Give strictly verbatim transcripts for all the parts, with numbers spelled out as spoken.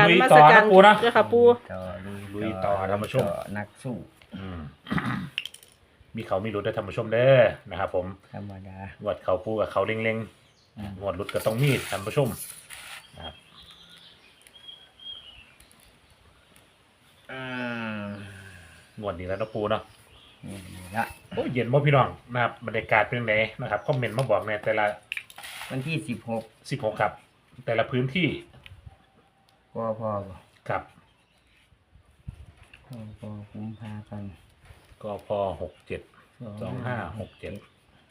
การลุยมาต่สอการนะปูนะเจ้าค่ะปูต่อลุยต่อท่านผู้ชมต่อนักสู้อืม มีเขามีรุดได้ท่านผู้ชมเด้อนะครับผมธรรมดาวัดเขาปูกับเขาเล็งอืมๆงวดรุดก็ต้องมีท่านผู้ชมนะครับอืมงวดนี้แล้วเนาะปูเนาะนี่ละโอ้ยเย็นบ่พี่น้องนะครับบรรยากาศเป็นยังไงนะครับคอมเมนต์มาบอกในแต่ละวันที่สิบหกสิบหกครับ แต่ละพื้นที่พอพอบ่ครับพอพอกุมภาพันธ์ก็พอหกเจ็ดสองห้าหกเจ็ด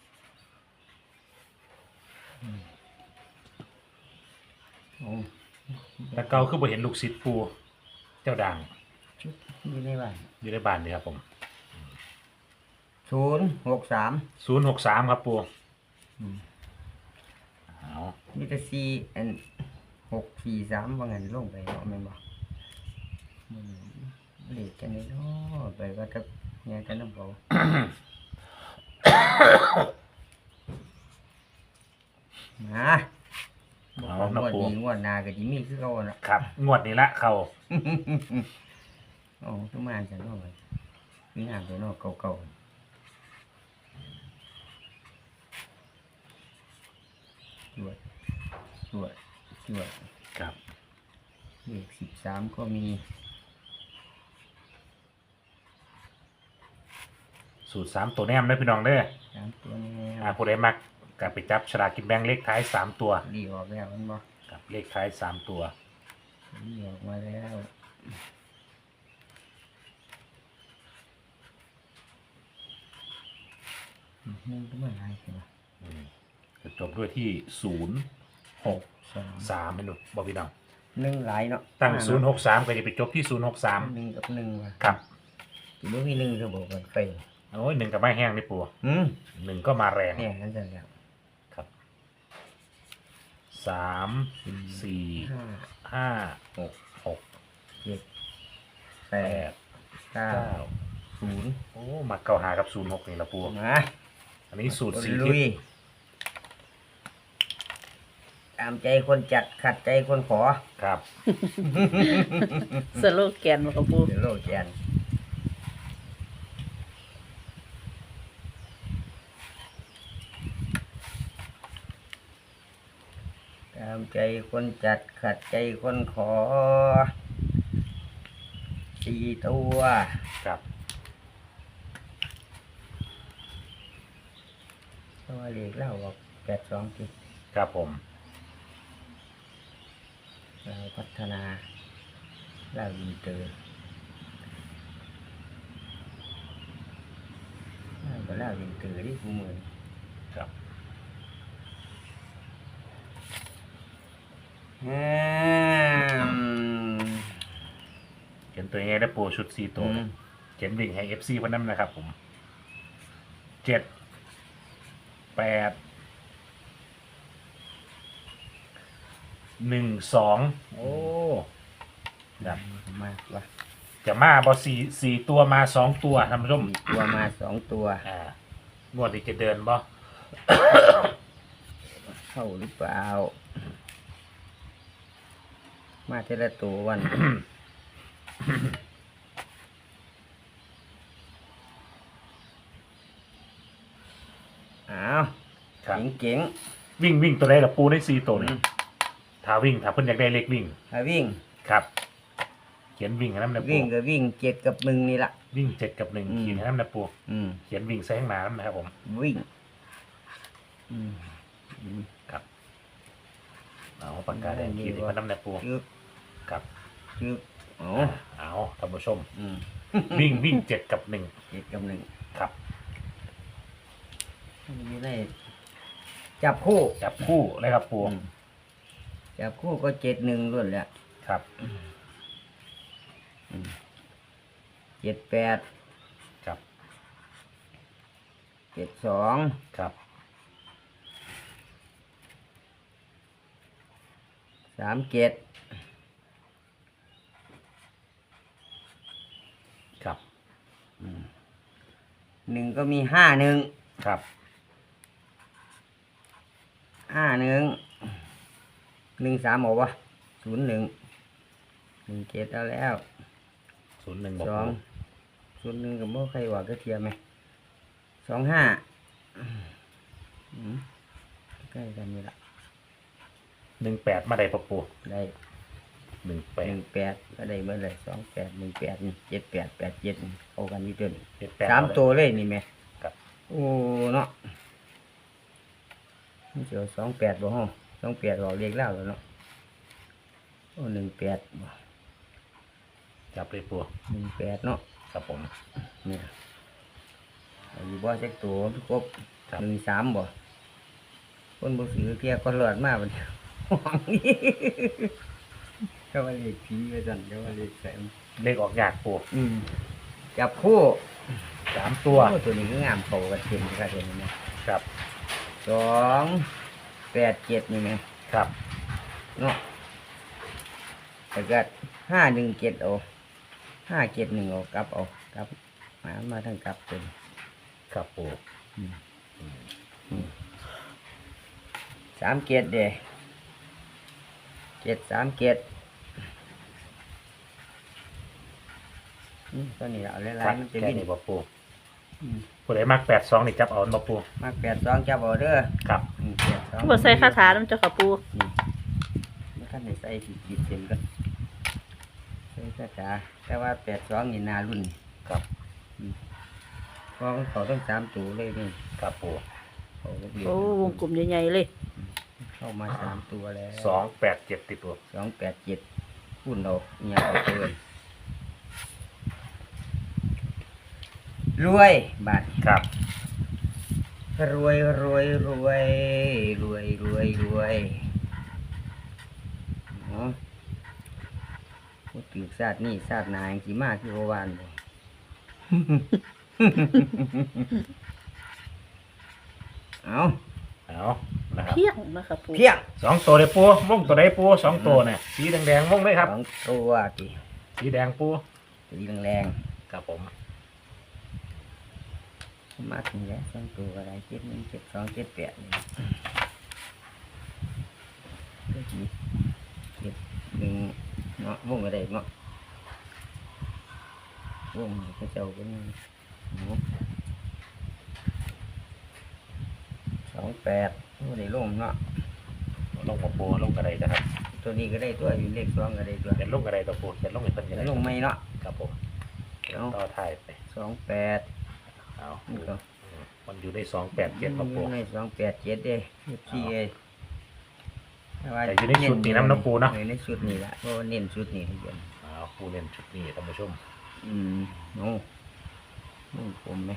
โอ้แต่เก่าคือบ่เห็นลูกศิษย์ปูเจ้าด่างชุดอยู่ในบ้านอยู่ในบ้านนี่ครับผมศูนย์หกสามศูนย์หกสามครับปูเอามีแต่สี่อันหกสี่สามว่างั้นลงไปเนาะแม่นบ่อืมเลขกันนี่เนาะไปก็จะแง่กันน้ำเบามาเอางนะวดปูนี้งวดหน้าก็สิมีคือเก่าน่ะครับงวดนี้ละเขาโอ้ทุกมาจังเนาะไปมีหน้าไปเนาะเก่าๆจวดจวดจวดครับเลขสิบสามก็มีสูตรสามตัวแนมได้อพี่น้องเด้อสามตัวนี้อ่าผู้ใดมักกับไปจับฉลากกินแบ่งเลขท้ายสามตัวดีออกแล้วมันบ่กับเลขท้ายสามตัวดีออกมาแล้วอืมมันก็ไม่ไรใช่ไหมอืมจะจบด้วยที่ศูนย์หกสองสามให้หนูบอกพี่น้องหนึ่งหลายเนาะตั้งศูนย์หกสามก็จะไปจบที่ศูนย์หกสามหนึ่งกับหนึ่งว่ะครับถือว่ามีหนึ่งก็บอกกันไปโอ้ยหนึ่งกับไม้แห้งนี่ปูอืมหนึ่งก็มาแรงเนี่ยนั่นจะแล้วครับสามสี่ห้าห้าหกหกเจ็ดแปแปดดเก้าเก้าศูนย์โอ้มาเก้าหากับศูนย์หกนี่ละปูมาอันนี้สูตรสี่ลุทิศยตามใจคนจัดขัดใจคนขอครับสโลแกนบ่ค่ะปูเดี๋ยวโลกแกนตามใจคนจัดขัดใจคนขอสี่ตัวครับตัวเลขเล่าบอกแปดสองจิครับผมเราพัฒนาเล่าอินเตอร์เล่าก็เล่าอินเตอร์ที่ผู้มือครับอืมเขียนตัวยังไงได้ปูชุดสี่ตัวอืมเขียนวิ่งให้เอฟซีคนนั้นนะครับผมเจ็ดแปดหนึ่งสองโอ้ครับมากว่ะจะมาบอสี่สี่ตัวมาสองตัวท่านผู้ชมมีตัวมาสองตัวอ่างวดนี้จะเดินบ่เข้าหรือเปล่า มาเทละตัววัน อ้าวครับเจ๋งวิ่งวิ่งตัวใดล่ะปูได้สี่ตัวนี่ถ้าวิ่งถ้าเพิ่นอยากได้เลขวิ่งๆถ้าวิ่งครับ เขียนวิ่งให้น้ำนะปูวิ่งก็วิ่งเจ็ดกับหนึ่งนี่ละวิ่งเจ็ดกับหนึ่งอืมขีดให้น้ำนะปูอืมเขียนวิ่งแซงหน้ำนะครับผมวิ่ง อืมอืมครับเอาปากกาแดงขีดให้มันน้ำนะปูจึ๊กครับจึ๊กโอ้เอาท่านผู้ชมอืมวิ่งวิ่งเจ็ดกับหนึ่งเจ็ดกับหนึ่งครับนี่ได้จับคู่จับคู่เลยครับปูอืมจับคู่ก็เจ็ดหนึ่งล้วนแหละครับเจ็ดแปดครับเจ็ดสองครับสามเจ็ดครับหนึ่งก็มีห้าหนึ่งครับห้าหนึ่งหนึ่งสามบอกว่าศูนย์หนึ่งหนึ่งเจ็ดเอาแล้วศูนย์หนึ่งสองศูนย์หนึ่งกับโม่ใครว่าก็เทียมไหมสองห้าใกล้กันนี่ละหนึ่งแปดมาได้ปะปูได้หนึ่งแปหดนึ่งแปดก็ได้เมื่อไรสองแปดหนึ่งแปดนี่เจ็ดแปดแปดเจ็ดเข้ากันนี่เดินเจ็ดแปดสามตัวเลยนี่แม่ครับโอ้เนาะนี่เจอสองแปดบ่ห้องสองแปดบอกเรียกเล่าแล้วเนาะโอ้หนึ่งแปดจับเลยปูหนึ่งแปดเนาะครับผมเนี่ยอยู่บ่เช็คตัวครบครับหนึ่งสามบ่คนบ่ซื้อเที่ยก็หลอดมากมันห่วงนี่ก็ว่าเลขผีไปสั่นก็ว่าเลขแสนเลขออกยากปูอืมจับคู่สามตัวโอ้ตัวนี้ก็งามโตกันเต็มครับเห็นไหมครับสองแปดเจ็ดนี่ไหมครับเนาะแล้วก็ห้าหนึ่งเจ็ดเอาห้าเจ็ดหนึ่งเอากลับเอากลับมามาทั้งกลับเป็นครับปูสามเจ็ดเด้เจ็ดสามเจ็ดอืมตัวนี้เอาหลายๆมันจะแค่วิ่งนี้ปะปูอืมผู้ใดมักแปดสองนี่จับเอาปะปูมาแปดสองจับเอาเด้อครับอืมแปดสองบ่ใส่คาถาน้ำเจ้าค่ะปูนี่ไม่ขั้นในใส่ขีดขีดเส้นก็ใส่คาถาแต่ว่าแปดสองนี่นารุ่นครับเพราะมันเขาต้องสามตัวเลยนี่ครับปูเขาก็เรียกโอ้วงกลมใหญ่ๆเลยเข้ามาสามตัวแล้วสองแปดเจ็ดติดปูสองแปดเจ็ดพุ่นเอาเนี่ยเอาเกินรวยบาทครับรวยรวยรวยรวยรวยรวยเนาะพูดถึงศาสตร์นี่ศาสตร์นายสีมากที่โอวานเลย เอาเอานะครับเพียงนะคะปูเพียงสองตัวเลยปูวงตัวใดปูสองตัวเนี่ยสีแดงๆวงเลยครับสองตัวทีสีแดงปูสีแรงครับผมๆมาถึงแล้วสองตัวอะไรเจ็ดหนึ่งเจ็ดสองเจ็ดแปดนี่เจ็ดเจ็ดหนึ่งเนาะวงอะไรเนาะวงนี่ก็เจ้าก็นี่เนาะสองแปดโอ้ได้ลงเนาะลงปะปูลงกระไดนะครับตัวนี้ก็ได้ตัวอยู่เลขสองก็ได้ตัวเขียนลงกระไดตัวปูเขียนลงให้เป็นยังไงแล้วลงไม่เนาะครับผมเอาต่อถ่ายไปสองแปดเอานี่ก็มันอยู่ในสองแปดเจ็ดปะปูในสองแปดเจ็ดเด้ที่เอแต่อยู่ในชุดนี้น้ำน้ำปูเนาะออในชุดนี้แหละเพราะว่าเน้นชุดนี้ให้เยอะเอาปูเล่นชุดนี้ท่านผู้ชมอืมโน้นุ่งผมไหม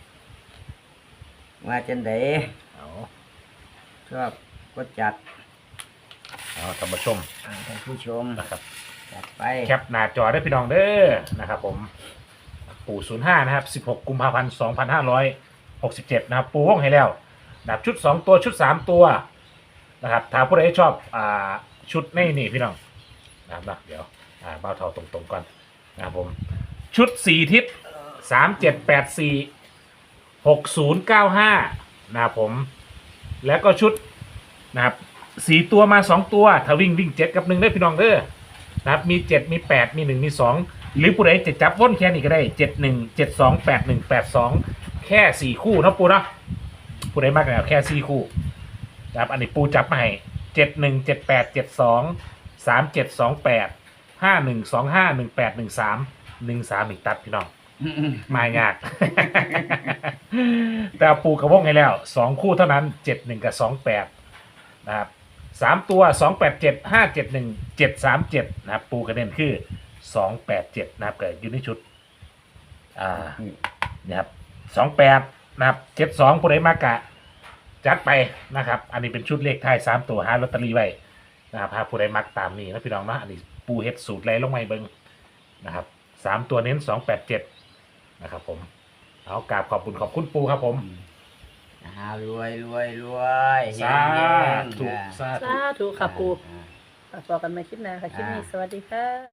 ว่าจันไดเอาชอบก็จัดเอาท่านผู้ชมอ่าท่านผู้ชมนะครับจัดไปแคปหน้าจอได้พี่น้องเด้อนะครับผมปู่ศูนย์ห้านะครับสิบหกกุมภาพันธ์สองพันห้าร้อยหกสิบเจ็ดนะครับปูวงให้แล้วนะครับชุดสองตัวชุดสามตัวนะครับถ้าผู้ใดชอบอ่าชุดนี่นี่พี่น้องนะครับนะเดี๋ยวอ่าเบ้าเท่าตรงๆก่อนนะครับผมชุดสี่ทิศสามเจ็ดแปดสี่หกศูนย์เก้าห้านะครับผมแล้วก็ชุดนะครับสี่ตัวมาสองตัวถ้าวิ่งวิ่งเจ็ดกับหนึ่งได้พี่น้องเด้อนะครับมีเจ็ดมีแปดมีหนึ่งมีสองหรือผู้ใดจะจับวนแค่นี้ก็ได้เจ็ดหนึ่งเจ็ดสองแปดหนึ่งแปดสองแค่สี่คู่นะปูนะผู้ใดมากแล้วแค่สี่คู่นะครับอันนี้ปูจับมาให้เจ็ดหนึ่งเจ็ดแปดเจ็ดสองสามเจ็ดสองแปดห้าหนึ่งสองห้าหนึ่งแปดหนึ่งสามหนึ่งสามอีกตัดพี่น้อง มายาก แต่ปูกระวงให้แล้วสองคู่เท่านั้นเจ็ดหนึ่งกับสองแปดนะครับสามตัวสองแปดเจ็ดห้าเจ็ดหนึ่งเจ็ดสามเจ็ดนะครับปูกระเด็นคือสองแปดเจ็ดนะครับเกิดอยู่ในชุดอ่านะครับสองแปดนะครับเจ็ดสองผู้ใดมากะจัดไปนะครับ อันนี้เป็นชุดเลขท้ายสามตัวหาลอตเตอรี่ไว้นะครับหาผู้ใดมักตามนี้นะพี่น้องนะอันนี้ปูเฮ็ดสูตรไรลงไม่เบิ้งนะครับสามตัวเน้นสองแปดเจ็ดนะครับผมเอากราบขอบคุณขอบคุณปูครับผมอ่ารวยรวยรวยสาเฮงๆธุอ่าสาธุสาธุค่ะปูอ่าฝากบอกกันมาคลิปหน้าค่ะ คลิปนี้สวัสดีค่ะ